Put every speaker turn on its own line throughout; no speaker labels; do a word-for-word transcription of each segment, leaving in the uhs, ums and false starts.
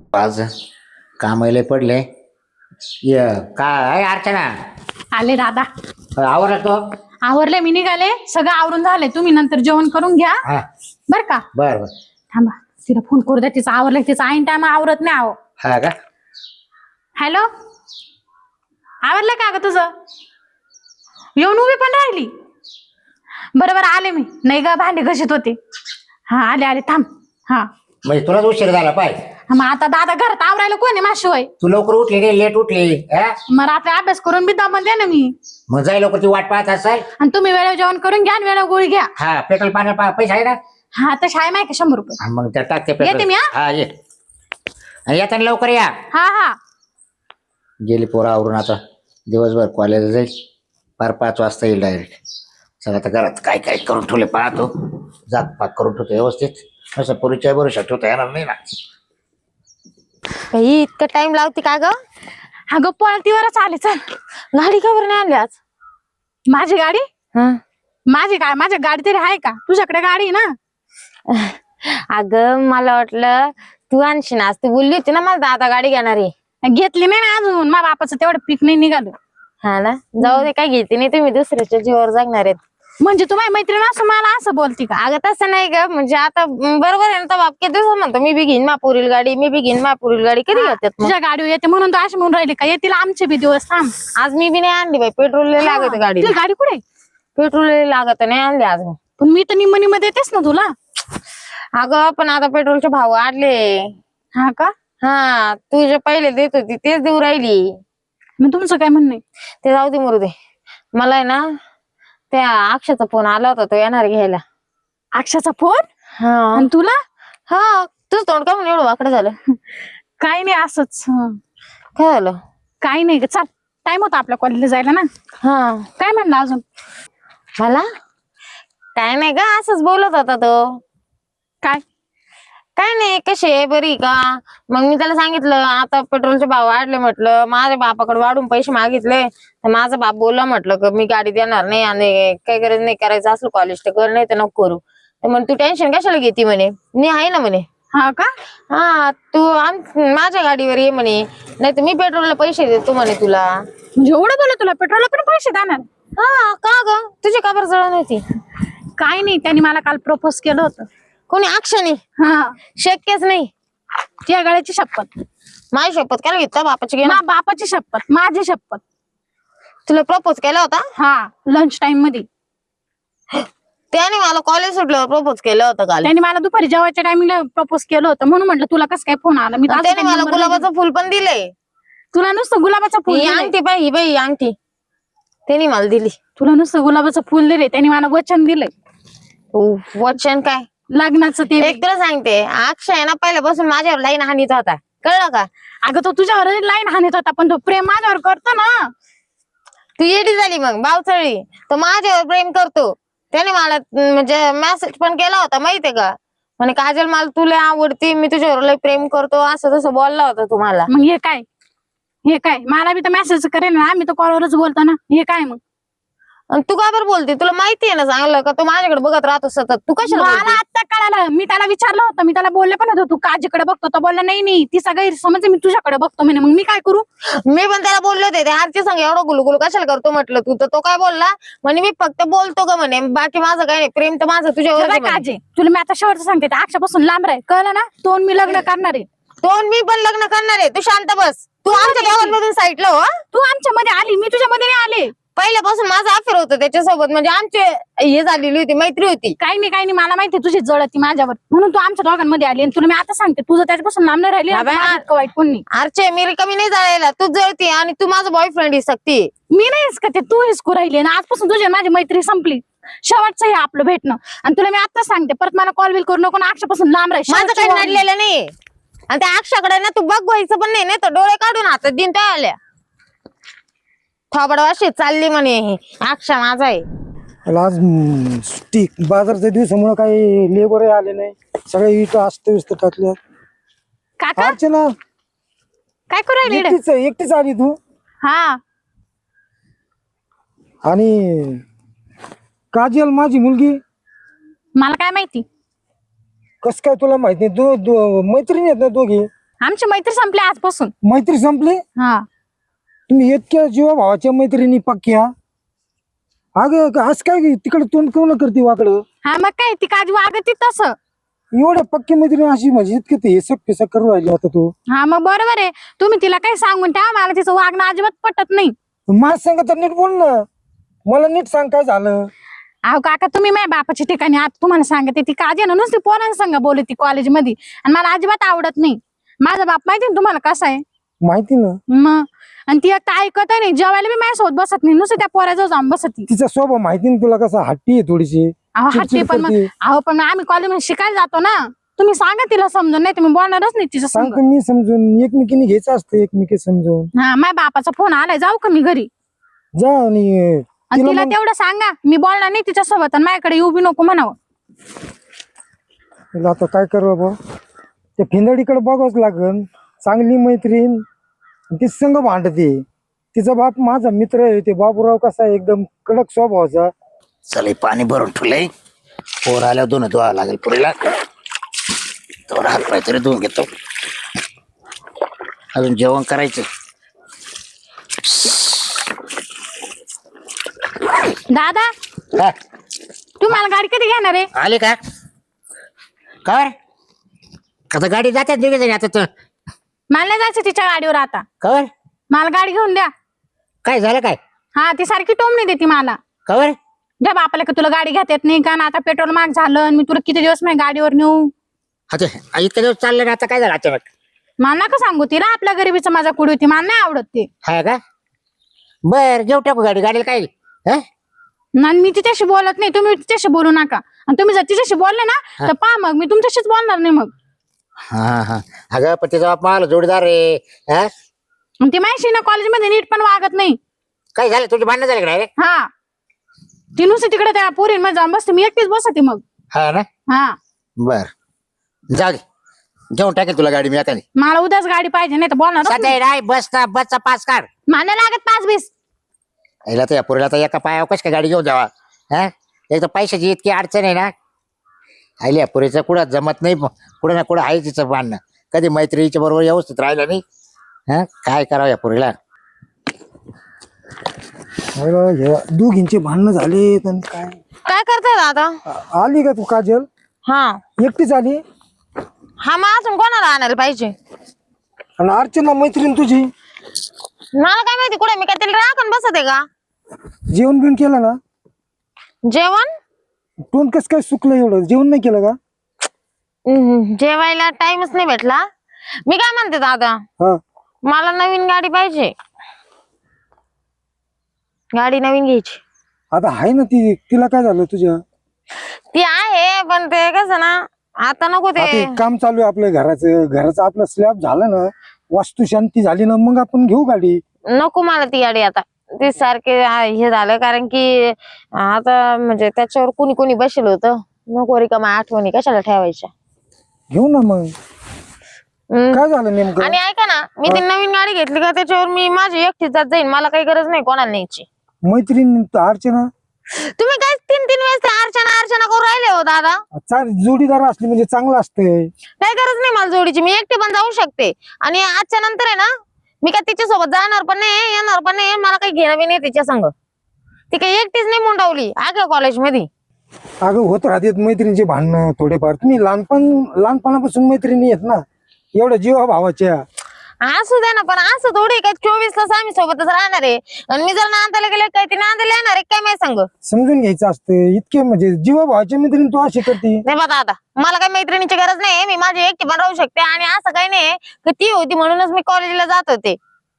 आज कामाला पडले. ये काय अर्चना
आले दादा.
आवरला तो?
आवरले, मी निघाले, सगळं आवरून झाले. तुम्ही नंतर जेवण करून घ्या
हा
बर का.
बर बर.
थांबा, तिला फोन करू द्या. तिचं आवरलं, तिचं ऐन टाइम आवरत नाही. आहो
हा का?
हॅलो, आवरलं का ग तुझं? येऊन उभी पण राहिली. बरोबर आले मी. नाही ग, भांडे घशीत होते. हा आले आले, थांब. हा
म्हणजे तुलाच उशीर झाला पाय.
मग आता दादा घरात आवरायला कोणी माझ्याशिवाय?
तू लवकर उठली नाही, लेट उठली.
मग रात्री अभ्यास करून बी दमन ना मी.
मग जाई लवकर, ती वाट पाहत असाल.
आणि तुम्ही वेळेवर जेवण करून घ्या आणि वेळेवर गोळी घ्या.
हा पेट्रोल पाणी पैसे आहे ना?
हा तर शाळे माहिती शंभर रुपये.
हा, मग त्या टाकते
येते
पेट्रोल.
मी.
हा ये. आणि येताना लवकर या.
हा हा
गेली पोरं आवरून. आता दिवसभर कॉलेज जाईल, पार पाच वाजता येईल डायरेक्ट. सगळं आता घरात काय काय करून ठेवले पाहतो. जात पाक करून ठेवतो व्यवस्थित. असं पुरीच्या बरोबर ठेवता येणार नाही ना.
बाई इतकं टाइम लावते का ग?
अगं पळतीवरच आले. चल,
गाडी का बरं नाही आणली आज?
माझी गाडी?
हं.
माझी काय, माझ्या गाडी तरी आहे का? तुझ्याकडे गाडी आहे ना.
अगं मला वाटलं तू आणशील आज. तू बोलली होती ना मला दादा गाडी घेणार आहे.
घेतली नाही ना अजून. माझ्या बापाचं तेवढं पीक नाही निघालं.
हा ना, जाऊ दे, काय घेते नाही, तुम्ही दुसऱ्याच्या जीवावर जगणार आहेत.
म्हणजे तू माझी मैत्रीण असं मला असं बोलती का?
अगं तसं नाही ग, म्हणजे आता बरोबर आहे ना. तर बाप किती दिवस म्हणतो मी बी घेईन मापुरील गाडी, मी बी घेईन मापुरील गाडी. कधी घेतात मग?
तुझ्या गाडीवर येते म्हणून तू अशी म्हणून राहिली का? येतील आमचे बी दिवस. थांब,
आज मी बी नाही आणली बाई. पेट्रोल लागत गाडी.
तुझी गाडी कुठे?
पेट्रोल लागत नाही आणली आज.
पण मी तर निम्म निम्म देतेस ना तुला.
अगं पण आता पेट्रोलचे भाव वाढले.
हा का?
हा, तू जे पहिले देत होती तेच देऊ राहिली.
मग तुमचं काय म्हणणं आहे?
ते जाऊ दे, मरू दे. मला आहे ना त्या अक्षाचा फोन आला होता, तो येणार घ्यायला.
अक्षाचा फोन?
हा.
आणि तुला?
हा, तुझं तोंड का म्हणून एवढं वाकडं झालं?
काही नाही, असंच.
काय झालं?
काही नाही ग, चाल. टाइम होता आपल्या कॉलेजला जायला ना.
हा,
काय म्हणलं अजून?
मला काय नाही ग, असंच बोलत होता तो.
काय?
काय नाही, कशी आहे, बरी का? मग मी त्याला सांगितलं आता पेट्रोलचे भाव वाढले. म्हटलं माझ्या बापाकडे वाढून पैसे मागितले, तर माझा बाप बोलला म्हटलं की मी गाडी देणार नाही, आणि काही गरज नाही, करायचं असलं कॉलेज तर कर, नाही तर नको करू. तर म्हणे तू टेन्शन कशाला घेते म्हणे, मी आहे ना म्हणे.
हा का?
हा, तू आम माझ्या गाडीवर ये म्हणे, नाही तर मी पेट्रोलला पैसे देतो म्हणे तुला.
म्हणजे एवढं बोला तुला पेट्रोलला पण पैसे देणार?
हा का ग, तुझी का बरं जळण होती?
काय नाही, त्यांनी मला काल प्रपोज केलं होतं.
कोणी? अक्षाने?
हा,
शक्यच नाही.
त्या गळ्याची शपथ.
माझी शपथ काय घेतला बापाची? घे ना.
मा बापाची शपथ, माझी शपथ.
तुला प्रपोज केला होता?
हा, लंच टाइम मध्ये.
त्याने मला कॉलेज सुटल्यावर प्रपोज केलं होतं काल.
त्यांनी मला दुपारी जेवायच्या टायमिंगला प्रपोज केलं होतं, म्हणून म्हटलं तुला कसं काय फोन आला. मी तर
त्याने मला गुलाबाचं फुल पण दिलंय.
तुला नुसतं गुलाबाचं फुल
ही
दिलंय?
अंगठी बाई, ही बाई अंगठी त्यांनी मला दिली.
तुला नुसतं गुलाबाचं फुल दिले, त्यांनी मला वचन दिलंय.
वचन काय?
लग्नाचं. ते
एक तुला सांगते, अक्षय आहे ना पहिल्यापासून माझ्यावर लाईन हानीत होता, कळलं का?
अगं तो तुझ्यावर लाईन हाणत होता, पण तो प्रेम माझ्यावर करतो ना.
तू येडी झाली मग, बावचळली. तो माझ्यावर प्रेम करतो. त्याने मला म्हणजे मेसेज पण केला होता, माहितीये का? म्हणे काजल मला तुला आवडती, मी तुझ्यावर लय प्रेम करतो, असं तसं बोलला होता तुम्हाला.
मग हे काय? हे काय? मला बी तर मेसेज करेन ना, आम्ही तर कॉलवरच बोलतो ना. हे काय मग?
आणि तू का बरं बोलते? तुला माहितीये ना चांगलं का तो माझ्याकडे बघत राहतो सतत. तू कशाला
मला
बोलते?
आता कळालं. मी त्याला विचारलं होतं, मी त्याला बोलले पण होतो तू काजीकडे बघतो, तो बोलला नाही नाही ती सगळी समज मी तुझ्याकडे बघतो म्हणे. मग मी काय करू?
मी पण त्याला बोलले होते, ते आरची संग एवढं गुलगुल कशाला करतो म्हटलं तू. तर तो काय बोलला म्हणे मी फक्त बोलतो का म्हणे, बाकी माझं काय नाही, प्रेम तर माझं तुझ्यावर आहे म्हणे.
काजे तुला मी आता शेवटचं सांगते, अक्षापासून लांब राह, कळलं ना? तो मी लग्न करणार आहे.
तो मी पण लग्न करणार आहे. तू शांत बस. तू आमच्या दोघांमधून साईडला हो.
तू आमच्या मध्ये आली, मी तुझ्या मध्ये नाही आले.
पहिल्यापासून माझा अफेअर होतं त्याच्यासोबत, म्हणजे आमचे हे झालेली होती, मैत्री होती.
काही नाही काही नाही, मला माहिती तुझी जळती माझ्यावर, म्हणून तू आमच्या दोघांमध्ये आली. आणि तुला मी आता सांगते, तुझं त्याच्यापासून लांब नाही राहिली. इतकं वाईट कोण नाही.
आरचे मी रिकामी नाही जायला, तू जळती आणि तू माझा बॉयफ्रेंड ही सक्ती.
मी नाहीस का ते, तू हिसकू राहिली ना. आजपासून तुझी माझी मैत्री संपली. शेवटचं हे आपलं भेटणं. आणि तुला मी आता सांगते, परत मला कॉल बिल करू नको ना. अक्षापासून लांब राह.
माझं काही नडलेलं नाही. आणि त्या अक्षाकडे ना तू बघ व्हायचं पण नाही, नाही तर डोळे काढून हातात दिन त्या आल्या थोबड वाशी चालली म्हणे अक्षा माझा आहे.
आज सुट्टी, बाजारच्या दिवसामुळे काही लेबर आले नाही, सगळे इट असत व्यस्त टाकल्या.
काका
अर्चना
काय करू राहिली?
एकटीच एकटीच आली तू?
हा,
आणि काजल माझी मुलगी
मला काय माहिती?
कस काय तुला माहित नाही? दो मैत्रिणी आहेत ना दोघी?
आमची मैत्री संपली आजपासून.
मैत्री संपली?
हा
तुम्ही इतक्या जीवा भावाच्या मैत्रिणी पक्क्या? अगं आज काय तिकडे तोंड कोण करते वाकडं?
हा मग काय ती काजी वागती तसं.
एवढ्या पक्की मैत्रिणी अशी म्हणजे इतके ते हेसक फेसक करू राहिली आता तू.
हा मग बरोबर आहे. तुम्ही तिला काही सांगून ठेवा, मला तिचं वागणं अजिबात पटत नाही.
माझ सांग तर नीट बोल ना, मला नीट सांग काय झालं.
अहो काका तुम्ही माझ्या बापाच्या ठिकाणी आता तुम्हाला सांगते, ती काजी ना नुसती पोरांसंग बोलते कॉलेजमध्ये आणि मला अजिबात आवडत नाही. माझा बाप माहिती ना तुम्हाला कसा आहे.
माहिती ना.
मग आणि ती आता ऐकत नाही, जेवायला बी माझ्यासोबत बसत नाही, नुसतं त्या पोराजवळ जाऊन बसती.
तिचा स्वभाव माहिती ना तुला कसा हट्टी आहे थोडीशी.
अहो हट्टी
चिडचिड
पण मग
करते.
अहो पण आम्ही कॉलेजमध्ये शिकायला जातो ना, तुम्ही सांगा तिला समजून, नाही तुम्ही बोलणारच नाही तिच्या संग.
सांगतो मी समजून, एकमेकीने घ्यायचं असतं एकमेकी समजून.
हा माझ्या बापाचा फोन आलाय, जाऊ का मी घरी?
जा आणि
आणि
तिला
तिला
मग-
तेवढं सांगा मी बोलणार नाही तिच्या सोबत आणि माझ्याकडे येऊ बी नको म्हणावं.
तिला आता काय करू बाबा, त्या फिंदडीकडे बघावंच लागन. चांगली मैत्रीण ती संघ भांडते. तिचा बाप माझा मित्र आहे, ते बाबूराव कसा आहे एकदम कडक स्वभावाचा.
चल हे पाणी भरून ठेवलंय, पोर आल्यावर दोन धुवा लागेल पुरीला. तो हात पाय तरी धुवून घेतो, अजून जेवण करायचं.
दादा
हा,
तुम्हाला गाडी कधी घेणार आहे?
आले का काय आता गाडी जातात दिली तरी आता तर
मला नाही जायचं तिच्या गाडीवर आता.
कवर
मला गाडी घेऊन द्या.
काय झालं काय
हा ती सारखी टोमणी देते मला.
कवर
द्या बापाला का तुला गाडी घेता येत नाही का ना, आता पेट्रोल महाग झालं आणि मी तुला किती दिवस माझ्या गाडीवर नेऊ.
आता इतके दिवस चालले ना, आता काय झालं अचानक?
मला नका सांगू तिला आपल्या गरिबीचं माझा कुडी होती, मला नाही आवडत ते.
हा का बर घेऊ टाकू गाडी. गाडीला काय हा?
ना मी तिच्याशी बोलत नाही, तुम्ही तिच्याशी बोलू नका. आणि तुम्ही जर तिच्याशी बोलले ना तर पहा मग मी तुमच्याशीच बोलणार नाही मग.
हा हा अगं पण तिचा बाप मला जोडीदार रे. हा
आणि ती माहिती ना कॉलेजमध्ये नीट पण वागत नाही.
काय झालं, तुझी भांडणं झाली का रे?
हा ती नुसती तिकडे त्या पोरींमध्ये जाऊन बसते, मी एकटीच बसते मग.
हा ना
हा
बर जाऊ दे, घेऊन टाकेल तुला गाडी मी एखादी.
मला उद्याच गाडी पाहिजे, नाही तर बोलणार
सध्या नाही बसचा बसचा पास काढ.
मला लागत पाच बीस.
याला तर या पोरीला तर एका पायावर कश काय गाडी घेऊन जावा. हा एक तर पैशाची इतकी अडचण आहे ना. आईल्या पुरीचं कुठं जमत नाही, कुठं ना कुठं आहे तिचं भांडणं. कधी मैत्रिणीच्या बरोबर व्यवस्थित राहिलं नाही. हा काय करावं या पुरीला.
दोघींचे भांडणं झाले पण काय.
काय करताय दादा?
आ- आली का तू काजल?
हा
एकटीच आली?
हा मग अजून कोणाला आणायला पाहिजे?
आणि अर्चना मैत्रीण तुझी
मला काय माहिती कुठे, मी काय तिला राखून बसत आहे का?
जेवण बिवण केलं ना?
जेवण
तोंड कस काय सुकलं एवढं, जेवण नाही केलं का?
हम्म, जेवायला टाइमच नाही भेटला. मी काय म्हणते दादा,
हा
मला नवीन गाडी पाहिजे. गाडी नवीन घ्यायची.
आता आहे ना ती, तिला काय झालं तुझ्या?
ती आहे पण ते कसं ना, आता नको
आता
ते.
एक काम चालू आहे आपल्या घराचं, घराचं आपलं स्लॅब झालं ना, वास्तू शांती झाली ना, मग आपण घेऊ गाडी.
नको मला ती गाडी आता. ते सारखे आ- हे झालं कारण की आता म्हणजे त्याच्यावर कुणी कुणी बसेल होतं. नको रिकामा आठवणी कशाला ठेवायच्या.
घेऊ ना मग.
हम्म.
काय झालं नेमकं?
आणि ऐका ना, मी ती नवीन गाडी घेतली का त्याच्यावर मी माझी एकटीच जात जाईन, मला काही गरज नाही कोणाला न्यायची.
मैत्रीण अर्चना
तुम्ही काय तीन तीन वेळेस ते अर्चना अर्चना करून राहिले हो दादा.
चांग- जोडीदार असली म्हणजे चांगलं असतंय.
काही गरज नाही मला जोडीची, मी एकटी पण जाऊ शकते. आणि आजच्या नंतर आहे ना, मी काय तिच्या सोबत जाणार पण नाही, येणार पण नाही, मला काही घेणं बी नाही तिच्या संग. ती काही एकटीच नाही मुंडावली आग कॉलेजमध्ये.
अगं होत राहतात मैत्रिणीचे भांडणं थोडेफार. तुम्ही लहानपण लहानपणापासून मैत्रिणी आहेत ना, एवढ्या जीवा भावाच्या.
असू द्या ना, पण असं थोडी काय चोवीस तास आम्ही सोबतच राहणार आहे. आणि मी जर नांदायला गेले काय ती नांदायला येणार आहे काय माहिती सांग.
समजून घ्यायचं असतं. इतके म्हणजे जीवा भावाच्या मैत्रिणी तू अशी करते.
नाही बघा आता, मला काही मैत्रिणीची गरज नाही, मी माझी एकटी पण राहू शकते. आणि असं काही नाही की ती होती म्हणूनच मी कॉलेजला जात होते.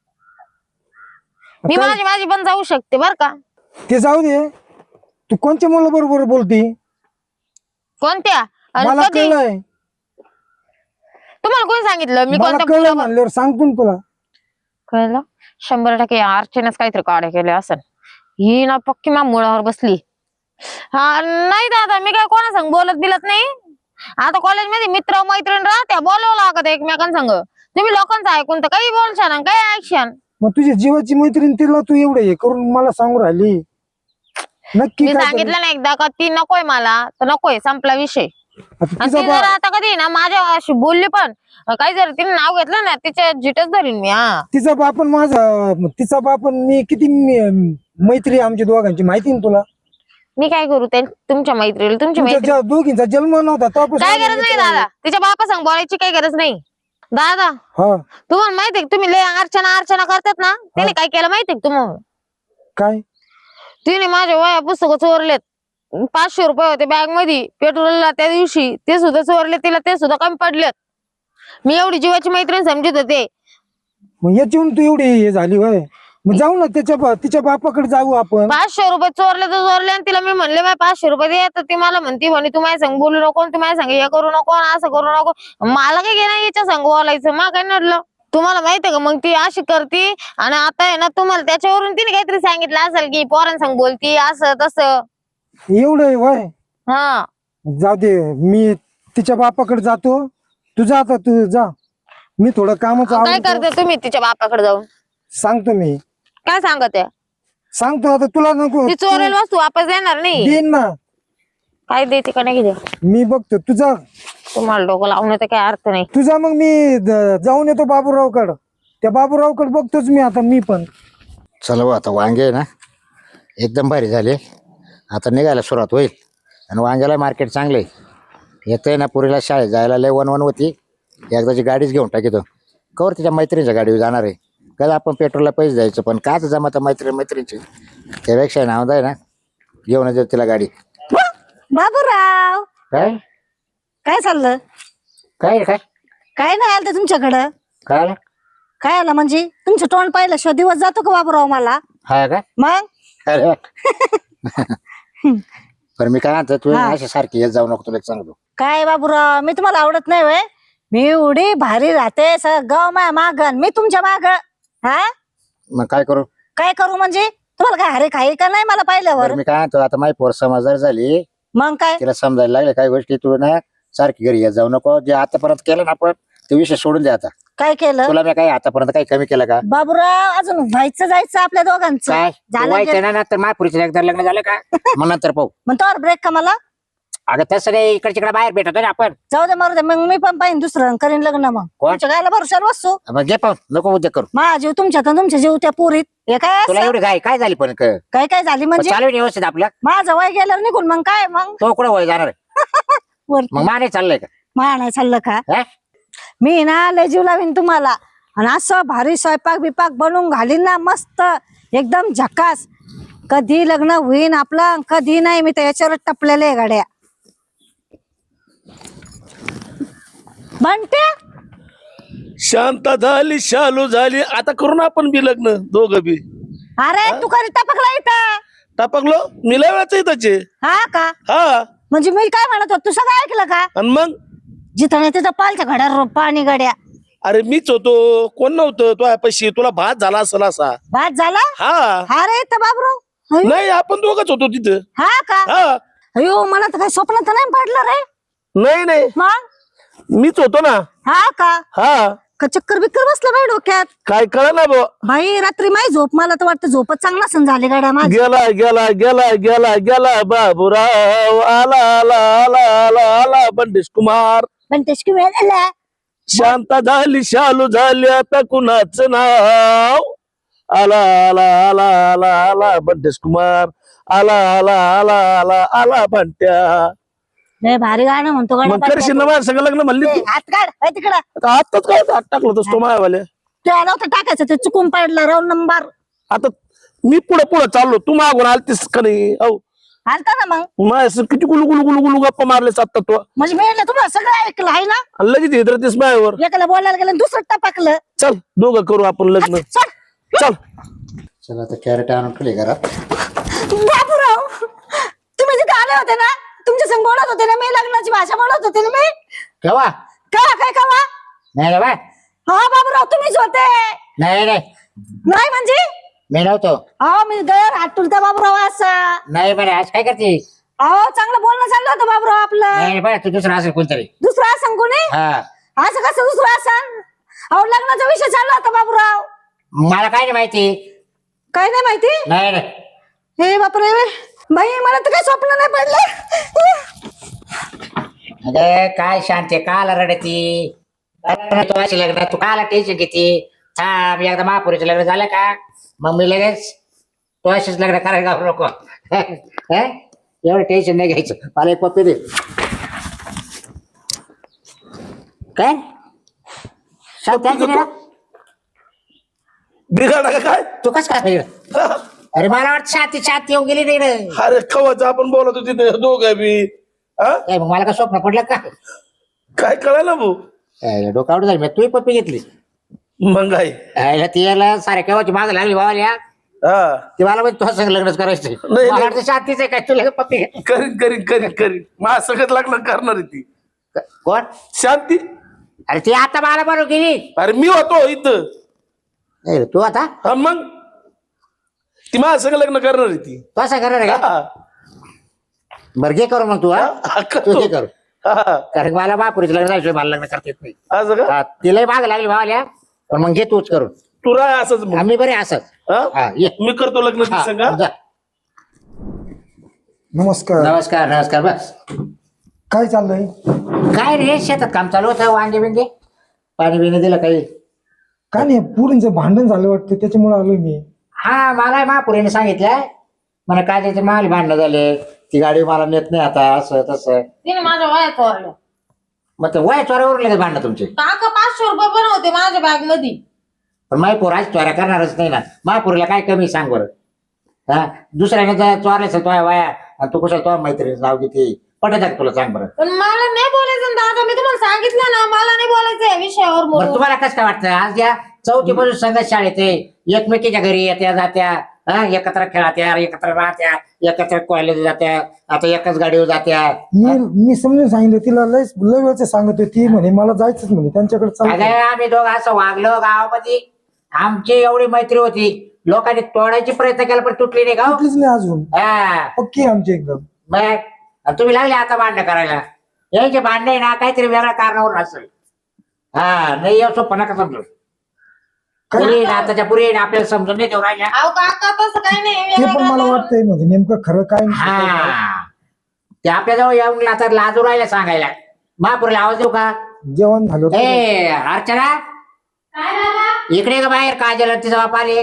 मी
आता
माझी माझी पण जाऊ शकते बर का.
ते जाऊ दे, तू कोणत्या मुलाबरोबर बोलती?
कोणत्या आणि
मला
कधी?
कळलंय,
तुम्हाला कोणी सांगितलं मी
मला
कोणत्या
कळलं
मुलावर-
म्हणल्यावर सांगतो ना तुला.
कळलं? शंभर टक्के अर्चनेच काहीतरी काढे केले असेल. ही ना पक्की मा मुळावर बसली. हा नाही दादा, मी काय कोणा संग बोलत बिलत नाही. आता कॉलेजमध्ये मित्र मैत्रीण राहत्या, बोलावं लागत एकमेकांसंग. तुम्ही लोकांचं ऐकून तर काही बोलशान आणि काही ऐकशान.
मग तुझ्या जीवाची मैत्रीण तिला तू एवढं हे करून मला सांगू राहिली. नक्की
मी
काय
सांगितलं ना एकदा का ती नकोय मला, तर नकोय, संपला विषय.
आता
आणि
तिचा
ती जर
बाप
आता कधी ना माझ्या अशी बोलली पण काही जर तिने नाव घेतलं ना तिच्या जिटच धरीन मी. हा
तिचा बाप आणि माझा तिचा बाप आणि मी किती मी- मैत्री आहे आमच्या दोघांची माहिती ना तुला.
मी काय करू त्या तुमच्या मैत्रीला तुमची
तुमच्या
मैत्री
ज्या दोघींचा जन्म नव्हता तेव्हापासून
काय
आम्ही
गरज नाही
मित्र आहे.
दादा तिच्या बापा सांग बोलायची काही गरज नाही. दादा
हा
तुम्हाला माहितीये का तुम्ही लय अर्चना अर्चना करतात ना त्याने काय केलं माहितीये का तुम्हाला?
काय
तिने माझ्या वया पुस्तकं चोरलेत. पाचशे रुपये होते बॅग मध्ये पेट्रोलला त्या दिवशी ते सुद्धा चोरले तिला ते सुद्धा कमी पडलेत. मी एवढी जीवाची मैत्रीण समजत होते.
मग याच्याहून तू एवढी हे झाली होय. मग जाऊ ना त्याच्या बा- तिच्या बापाकडे जाऊ आपण.
पाचशे रुपये चोरले तर चोरले आणि तिला मी म्हणले माझे पाचशे रुपये दे तर ती मला म्हणती म्हणे तू माझ्या संग बोलू नको तू माझ्या संग हे करू नको आणि असं करू नको. मला काय घेणं याच्या संग बोलायचं मग काय नडलं. तुम्हाला माहितीये का मग ती अशी करती आणि आता आहे ना तुम्हाला त्याच्यावरून तिने काहीतरी सांगितलं असेल की पोरांसंग बोलती असं तसं.
एवढं आहे होय.
हा
जाऊ दे मी तिच्या बापाकडे जातो. तू जा आता तू जा. मी थोडं कामच
काय
आवडतो
करते तुम्ही तिच्या बापाकडे जाऊन
सांगतो मी.
काय सांगत आहे?
सांगतो आता तुला नको
ती चोरेल वस्तू वापस देणार नाही.
देईन ना
काय देते का नाही देते
मी बघतो. तुझा
तुम्हाला डोकं लावण्याचा काही अर्थ नाही.
तुझा मग मी ज- जाऊन येतो बाबूरावकडं. त्या बाबूरावकडे बघतोच मी आता मी पण.
चला भाऊ आता वांगे आहे ना एकदम भारी झाले. आता निघायला सुरुवात होईल आणि वांग्याला मार्केट चांगलं आहे. येतंय ना पुरीला शाळेत जायला लय वन वन होती. एकदाची गाडीच घेऊन टाकीतो. कवर तिच्या मैत्रिणीच्या गाडीवर जाणार आहे. कधी आपण पेट्रोलला पैसे द्यायचं पण काच जमत मैत्रीण मैत्रिणीची त्यापेक्षा नाव आहे ना घेऊन देऊ तिला गाडी.
बाबूराव
काय
काय चाललं?
काय काय
काय नाही आलं तुमच्याकडं?
काय आलं?
काय आलं म्हणजे तुमचं तोंड पाहिलं शिवाय दिवस जातो का बाबूराव मला?
हा का
मग
अरे पण मी काय म्हणतो तू
हा.
अशी सारखी येत जाऊ नको तुला एक सांगतो.
काय बाबूराव मी तुम्हाला आवडत नाही वय? मी एवढी भारी राहते सगळं गाव माया माग मी तुमच्या माग. हा
मग काय करू?
काय करू म्हणजे तुम्हाला काय हरे खाई का नाही मला पाहिल्यावर?
बरं मी काय म्हणतो आता माझी पोर समजदार झाली.
मग काय
तिला समजायला लागले काही गोष्टी तू ना सारखी घरी येत जाऊ नको. जे आतापर्यंत केलं ना आपण ते विषय सोडून दे आता.
काय केलं
तुला मी काही आतापर्यंत काही कमी केलं का?
बाबूराव? अजून व्हायचं जायचं आपल्या दोघांचं.
काय
झालं
व्हायचं
गे-
ना नंतर महापुरीचं एकदा लग्न झालं का मग नंतर पाहू.
मग तोवर ब्रेक का मला?
अगं तसं नाही इकडे तिकडे बाहेर भेटतो ना आपण.
जाऊ दे मारू दे मग मी पण पाहिजे दुसरं करीन लग्न. मग
कोण?
तुमच्या गायला भरोशावर बसू.
मग घे पाहून नको उद्योग करू.
माझा जीव तुमच्यात आणि तुमच्या जीव त्या पुरीत हे काय
तुला
असं?
एवढी घाई काय झाली पण क-
काय काय झाली म्हणजे?
चालू आहे व्यवस्थित आपलं.
माझं वय गेल्यावर निघून मग काय मग
तो कुठं वय जाणार आहे?
वरती
मग माने चाललंय का?
मा नाही चाललं का?
हा?
मी ना लय जीव लावीन तुम्हाला आणि असं भारी स्वयंपाक बिपाक बनवून घालीन ना मस्त एकदम झकास. कधी लग्न होईन आपलं कधी नाही. मी तर याच्यावर टपलेले आहे गाड्या. बनते
शांत झाली शालू झाली आता करू ना आपण बी लग्न दोघं बी.
अरे तू कधी टपकला इथं?
टापकलो मी लय वेळाच त्याचे.
हा का?
हा
म्हणजे मी काय म्हणत होतो तू सगळं ऐकलं का?
आणि मग
जिथं नाही तिथं पालच्या घड्या पाणी गड्या.
अरे मीच होतो कोण नव्हतं तो पैसे तुला भात झाला असेल असा.
भात झाला?
हा
अरे तर बाबराव अयो,
नाही आपण दोघच होतो तिथं.
हा का?
हा
अयो मला तर काही स्वप्न तर नाही पडलं रे.
नाही नाही
मग
मीच होतो ना.
हा का?
हा
का चक्कर बिक्कर बसलं बाई डोक्यात?
काय कळ ना बो.
बाई रात्री माही झोप मला तर वाटतं झोपच चांगला सण झाले गाड्या माझी.
गेला गेला गेला गेला गेला बाबूराव आला आला आला आला आला बंडेश कुमार.
पण त्याची वेळ झाला.
शांत झाली शालू झाली आता कुणाचं नाव. आला आला आला आला आला बंडेश कुमार आला आला आला आला आला बंट्या.
लय भारी गाणं म्हणतो
मग करशील ना
गाड्या.
माझ्या सगळं लग्न म्हणली तू.
हात काढ बाई तिकडं.
आता आत्ताच काय हात टाकलं होतं तो मायावाल्या.
ते नव्हतं टाकायचं ते चुकून पडलं राऊंड नंबर.
आता मी पुढे पुढे चाललो तू मागून आलतीस का नाही. औ
आलता ना मग
माझ्या किती गुलू गुलू गुलू गुलू गप्पा मारले आता तू.
म्हणजे मी म्हटलं तुम्हाला सगळं ऐकलं आहे ना?
आणि लगेच येतरतीस मायावर.
एकाला बोलायला गेलं आणि दुसरं टपकलं.
चल दोघं करू आपण लग्न.
सोड.
चल
चला आता कॅरेट आणून ठेवले घरात.
बाबूराव तुम्ही जिथे आले होते ना तुमच्या संग बोलत होते ना मी लग्नाची भाषा बोलत होते ना मी.
केव्हा?
का काय कवा?
नाही रे बा.
हा बाबूराव तुम्हीच होते.
नाही नाही
नाही म्हणजे
मी नव्हतो.
अहो मी गैर हात तुलता बाबूराव असा.
नाही बरं आज काय करते?
अहो चांगलं बोलणं चाललं होतं बाबूराव आपलं.
नाही बरं तू दुसरा असेल कोणतरी.
दुसरं असं कोणी?
हा
असं कसं दुसरं असं? अहो लग्नाचा विषय चालला होता बाबूराव.
मला काय नाही माहिती.
काय नाही माहिती?
नाही नाही
हे बापरे बाई मला तर काही स्वप्न नाही पडलं.
अगं काय शांती काला रडती तू अशी लग्न तू काला टेन्शन घेते थांब एकदा महापुरीचं लग्न झालं का मग मी लगेच तू अशीच लग्न करायला घालू नको हं? एवढं टेन्शन नाही घ्यायचं मला एक पप्पी दे काय शांत आहे की नाही?
बिघाडा का काय
तू कस काय वेगळं? अरे मला वाटतं शांती शांती येऊन गेली नाही रे
अरे कवाच आपण बोलत होती ते दोघं बी हा?
काय मग मला का स्वप्न पडलं का
काय कळायला भाऊ
यायला डोकं आवड झाली तू पप्पी घेतली
मग काय
यायला ती यायला सारे केव्हाची माग लागली बाबाल्या
हा
ती मला म्हणजे तुझं संग लग्नच करायचं
नाही.
मला वाटतं शांतीच आहे काय तुला पप्पी घेतली
करीन करीन करीन करीन माझ्या सगळं लग्न करणार आहे ती
कोण
शांती
अरे ती आता मला बरोबर गेली
अरे मी होतो इथं
नाही रे, तू आता
हा मग ती माझ्या सगळं लग्न करणार आहे ती
तू असं करणार आहे का
हा.
बरं घे करू मग तू हा
हा,
तू
करतो.
घे करू
हा.
कारण मला बापुरीचं लग्न झाल्याशिवाय मला लग्न करता येत नाही
असं का
हा, तिलाही माग लागली बाबाल्या पण मग घे तूच करून
तू राह असंच मग
आम्ही बरे असत
हा?
हा ये
मी करतो लग्न ती
हा,
संग
जा.
नमस्कार
नमस्कार नमस्कार बस
काय चाललंय?
काय रे शेतात काम चालू होतं वांगे बिंगे पाणी बिणी दिलं काही
काय नाही पुरींचं भांडण झालं वाटतं त्याच्यामुळे आलोय मी.
हा मला महापुरीने सांगितलंय मला काय त्याचे माल भांडणं झाले ती गाडी मला नेत नाही आता असं तसं
तिने माझ्या वया चोरल्या
मग ते वय चोऱ्यावर लगेच भांडणं तुमचे
काका पाचशे रुपये पण होते माझ्या बॅग मध्ये
पण मायपूर आज चोऱ्या करणारच नाही ना महापुरीला काय कमी सांग बरं हा दुसऱ्याने जर चोरले असेल तो वाया आणि तू कुशाल तो मैत्रिणीचं नाव किती पटत आहे तुला सांग बरं
पण मला नाही बोलायचं ना दादा मी तुम्हाला सांगितलं ना मला नाही बोलायचं या विषयावर
बरं
म्हणून
तुम्हाला कसं काय वाटतं आज या चौथी बाजू संघ शाळेत आहे एकमेकीच्या घरी येत्या जात्या हा एकत्र खेळात्या एकत्र राहत्या एकत्र कॉलेज जात्या आता एकाच गाडीवर जात्या
मी मी समजून सांगितलं तिला लय लय वेळचं सांगत होती म्हणे मला जायचंच म्हणे त्यांच्याकडे
अगं
चालतं.
आम्ही दोघं असं वागलो गावामध्ये आमची एवढी मैत्री होती लोकांनी तोडायची प्रयत्न केला पण तुटली नाही गाव
कुठलीच नाही अजून
हा
पक्की आहे आमची एकदम.
मग आणि तुम्ही लागले आता भांडणं करायला यायचे भांडणे ना काहीतरी वेगळ्या कारणावर असेल हा नाही येऊ सोपं नका समजू पुरी आताच्या पुरी आपल्याला समजून नाही देऊ राहिल्या
अहो काका तसं काही नाही
ते
वेगळं
पण मला
काका.
वाटतंय म्हणजे नेमकं खरं काय नाही.
हा ते आपल्याजवळ येऊन आता लाजू राहिल्या सांगायला महापुरीला आवाज देऊ का
जेवण झालं होतं.
ए अर्चना
काय झालं?
इकडे का बाहेर काय झालं तिचा बाप आले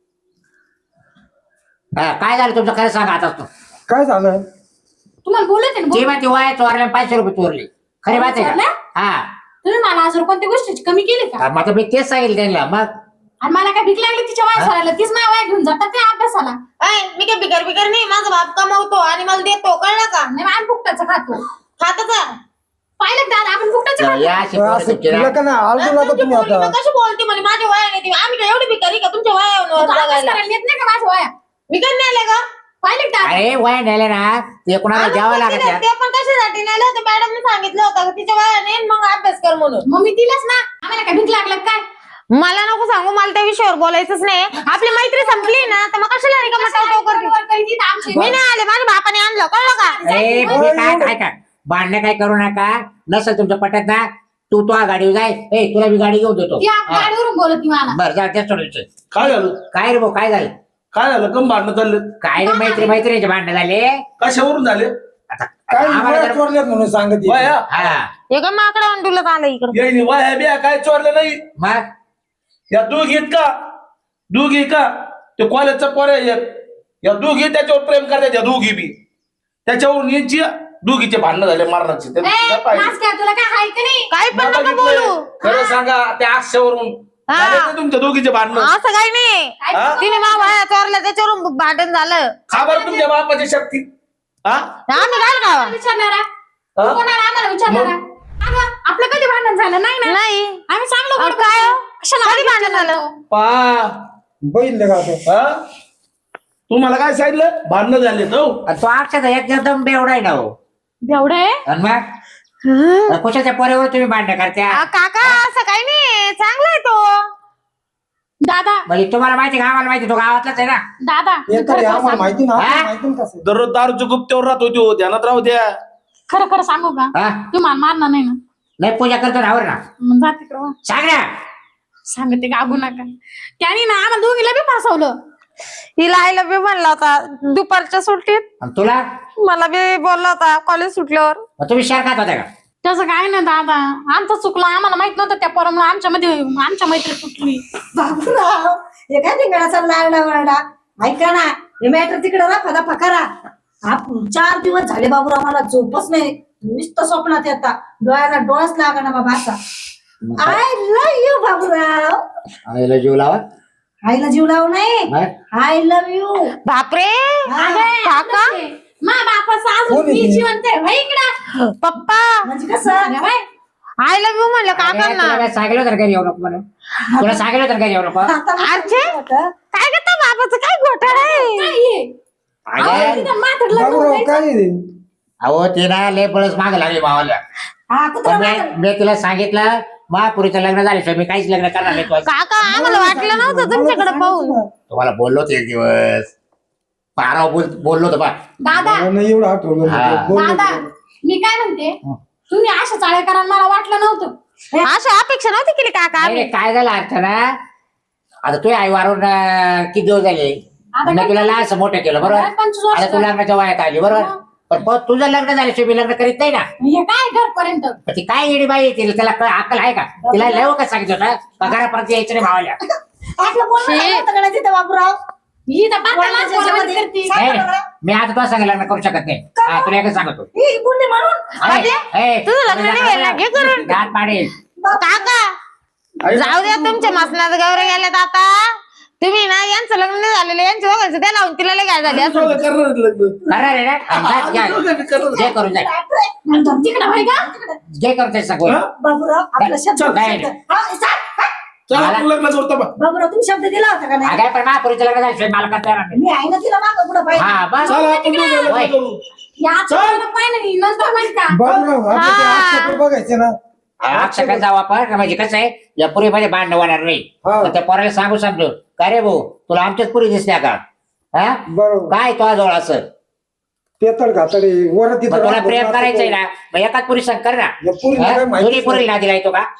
हा, काय झालं तुमचं खरं सांगा आता तू
काय झालं?
तुम्हाला बोलत आहे ना
ती
बोल.
माहिती वाय चोरल्या पाचशे रुपये चोरले खरी बात आहे का
चोरल्या?
हा
तुम्ही मला आज कोणत्या गोष्टीची कमी केली का
मग आता मी तेच सांगेल त्यांना मग
आणि मला काय भीक लागली तिच्या वया सरायला तीच माझ्या वया घेऊन जातात ते अभ्यासाला
ऐ, मी काय बिगर बिगर नाही माझा बाप कमावतो आणि मला देतो कळलं का
नाही आम्ही फुकटाचं खातो
खातच आहे.
पाहिलं का दादा आपण फुकटाचं खातो
या अशी
पण
पोरं
असं
तुमची ना.
तुला का नाही आळजू
आणि
नका
तुमची
तुम्ही
पोरगी
आता.
मग कशी बोलते म्हणे माझ्या वया नाही आम्ही काय एवढी भिकारी का तुमच्या
तू
वयावर
अभ्यास
बघायला
करायला येत नाही का माझ्या वया
मी काय नाही आले का
पाहिलं का दादा
अरे वय नेले ना ते कोणाला
आम्ही
द्यावं
पण
लागत
दिलं, ते पण कशासाठी नेलं होतं मॅडमने सांगितलं होतं का तिच्या वया नाही मग अभ्यास कर म्हणून
मग मी दिलंच ना आम्हाला काय भीक लागलं काय
मला नको सांगू मला त्या विषयावर बोलायचंच नाही आपली मैत्री संपली ना तर मग कशाला रिकामा टावटाव करते
आमची
मी नाही आले माझ्या बापाने आणलं कळलं का
अरे तुम्ही काय काय काय भांडणं काय करू नका नसेल तुमच्या पटत ना तू तो गाडीवर जाय ए तुला मी गाडी घेऊन देतो
ती आप गाडीवरून बोलत ती मला
बरं जा त्या सोडायचं
काय झालं
काय रे भाऊ काय झालं
काय झालं कम भांडणं चालले
काय रे मैत्री मैत्रिणीचे भांडणं झाले
कशावरून झाले
आता
काय
आम्हाला
वया
जर-
चोरल्यात म्हणून सांगत आहे.
वाया
हा
हे का माकडा अंडुलत आलं इकडं
यायनी वाया बिया काय चोरलं नाही
मग
या दोघीत का दोघी का ते कॉलेजचा पोर आहे एक. या दोघी त्याच्यावर प्रेम करतात या दोघी बी त्याच्यावरून यांची दोघीचे भांडणं झाले मारणाचे ते-
ए,
काय पाहिजे?
नाच काय तुला काय हाय का नाही
काही पण
मला
नका
बघितलंय.
बोलू
खरं सांगा त्या आक्षावरून
हा.
झाले ना तुमच्या दोघीचे भांडणं
असं काही नाही
हा?
तिने मा वया चोरल्या त्याच्यावरून भांडण झालं
खबर तुमच्या बापाची शक्ती हा
आम्ही घाल का
विचारणारा
हा?
कोणाला आम्हाला विचारणारा अगं आपलं कधी भांडण झालं नाही ना
नाही
आम्ही चांगलं
अहो,
बोलतो.
काय हो?
कशाला
कधी भांडण झालं?
पा
बघितलं का आता?
हा तुम्हाला काय सांगितलं भांडणं झाले तो
आणि तो अक्षर एकदम बेवडा आहे ना हो
बेवडं आहे
आणि मग कुशाच्या पोऱ्यावर तुम्ही भांडणं करत्या
आ, काका असं काही नाही चांगला आहे तो
दादा
म्हणजे तुम्हाला माहिती का आम्हाला माहिती तो गावातलाच आहे ना
दादा
हे तर
खरं खरं
आम्हाला
सांगू.
माहिती ना
हा?
आपल्याला माहिती ना कसं.
दररोज दारूच्या गुप्त्यावर राहत होती हो, ध्यानात राहू द्या
खरं खरं सांगू का
हा
तू मला मारणार नाही ना
नाही पूजा करतो रावर ना
मग जा तिकडं वा.
सांग ना
सांगते गागू नका त्याने ना आम्हाला दोघीला बी फसवलं
हिला आईला बी म्हणला होता दुपारच्या सुट्टीत
आणि तुला
मला बी बोलला होता कॉलेज सुटल्यावर
मग तुम्ही शेअर खात होता का
तसं काय नाही दादा, आमचं चुकलं, आम्हाला माहित नव्हतं त्या पोरामुळे आमच्या मध्ये आमच्या मैत्री तुटली.
बाबूराव हे काय धिंगाणाचा लागला वरडा. ऐका ना, हे मॅटर तिकडे राखा दफा करा. आप- चार दिवस झाले बाबूराव, मला झोपच नाही, नुसतं स्वप्नात येतात, डोळ्याला डोळाच लागा ना बाबा असा. I love you Baburao.
आईला जीव लावा.
आईला जीव लावू नाही,
हा?
I love you.
बापरे काका
मा बापाचं अजून मी जिवंत आहे व्हय इकडं.
पप्पा
म्हणजे कसं
आय लव्ह यू म्हणलं
अरे, तुला
काकांना.
काय सांगितलं तर घरी येऊ नको म्हणून. तुला सांगितलं तर घरी येऊ नको.
आता मी
अर्चे?
होतं.
काय करता बाबाचं काय घोटाळा आहे?
अगं,
बाबूराव काय आहे?
अहो ते ना लय पळस माग लागली भावाला.
हा कुत्रा
पण
मागं.
मी मी तिला सांगितलं महापुरीचं लग्न झाल्याशिवाय मी काहीच लग्न करणार नाही तुझं.
काका आम्हाला वाटलं नव्हतं तुमच्याकडे पाहून.
तुम्हाला बोललो होतो एक दिवस पाराव बोल बोललो होतो बा.
दादा
मला नाही एवढं आठवलं
हा.
नाही. बोल ना.
दादा मी काय म्हणते, तुम्ही अशा चाळे करा मला वाटलं नव्हतं.
अशी अपेक्षा नव्हती केली काका
नाही,
आम्ही.
नाही, काय झालं अर्चना, आता तू आई वारून अं, किती दिवस झाले
आता
मी तुला लहानसं मोठं केलं बरोबर.
आता पंचवीस वर्ष
आता तू लग्नाच्या वयात आली बरोबर. पण पण तुझं लग्न झाल्याशिवाय मी लग्न करीत नाही ना.
हे काय घरपर्यंत
पण ती काय येडी बाई आहे, तिला त्याला काय अक्कल आहे का? तिला लय का सांगितलं होतं पगारापर्यंत यायचं नाही भावाल्या.
आपलं बोलणं झालं होतं का नाही तिथं बाबूराव?
ही तर पाच
कोणाच्या
लाख पोरावानी
ह्याच्यामध्ये?
करते.
सांगा
नाही,
बरं.
मी आता तुला सांगितलं लग्न करू शकत नाही. हा, तुला एकच सांगतो.
ही बोलली म्हणून
अरे, ए,
तुझं लग्न नाही व्हायला, घे करून.
दात पाडेल.
काका जाऊ द्या, तुमच्या मसनात गौरे गेल्यात आता. तुम्ही ना यांचं लग्न नाही झालेलं, यांच्या दोघांचं त्या लावून तिला लय काय झाली असं.
करणार आहेत लग्न.
करणार आहे ना? हा, जा, घ्या. घे करून जाय.
म्हणतो, तिकडं होय का?
घे करून जाय सगळं.
हा?
बाबूराव आपला शब्द
चल, काय
शब्द.
नाही.
हा, चाल, हा.
चला
मला-
आपण लग्न करतो बा.
बाबूराव तुम्ही शब्द दिला होता का नाही?
अगं पण महापुरीचं लग्न झाल्याशिवाय मला करता येणार नाही.
मी आहे ना तिला मागं पुढं पाहिजे.
हा बस.
चला आपण दोघं लग्न
होय.
करू.
या आजचं पाहिजे नाही, नंतर माहित का?
बाबूराव आता ते
हा.
आजचं बघायचे ना.
अक्षर जाऊ आपण म्हणजे कसं आहे या पुरीमध्ये भांडण होणार नाही.
हा.
तर त्या पोराला सांगू सांगतो का रे भाऊ तुला आमच्याच पुरी दिसल्या का? हा
बरोबर
काय तो जवळ असं
पेतळ घातडे वर
मग तुला प्रेम करायचंय ना मग एकाच पुरी संग कर ना.
या पुरीला
हा?
काय माहिती
दोन्ही पुरीला दिला येतो का?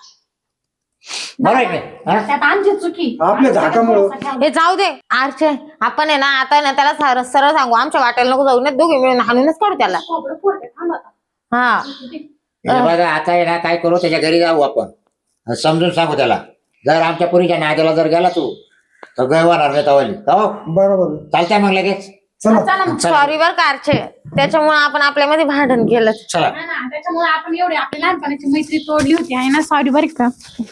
बरोबर आहे की? हा?
त्यात आमची चुकी.
आपल्या झाकामुळं.
हे जाऊ दे आरचे, आपण आहे ना आता ना त्याला सरळ सरळ सांगू, आमच्या वाटेला नको जाऊ, नाही दोघे मिळून हाणूनच काढू त्याला.
खोबरं फोडते, थांब आता.
हा
हे बघा आता आहे ना काय करू त्याच्या घरी जाऊ आपण समजून सांगू त्याला जर आमच्या पुरीच्या नाद्याला जर गेला तू तर गय होणार नाही तवाली हो
बरोबर
चालतंय मग लगेच
चला
चला मग.
चला.
सॉरी बर का आरचे, त्याच्यामुळे आपण आपल्यामध्ये भांडण केलं.
चला
ना, ना, त्याच्यामुळे आपण एवढी आपली लहानपणाची मैत्री तोडली होती आहे ना. सॉरी बरं का.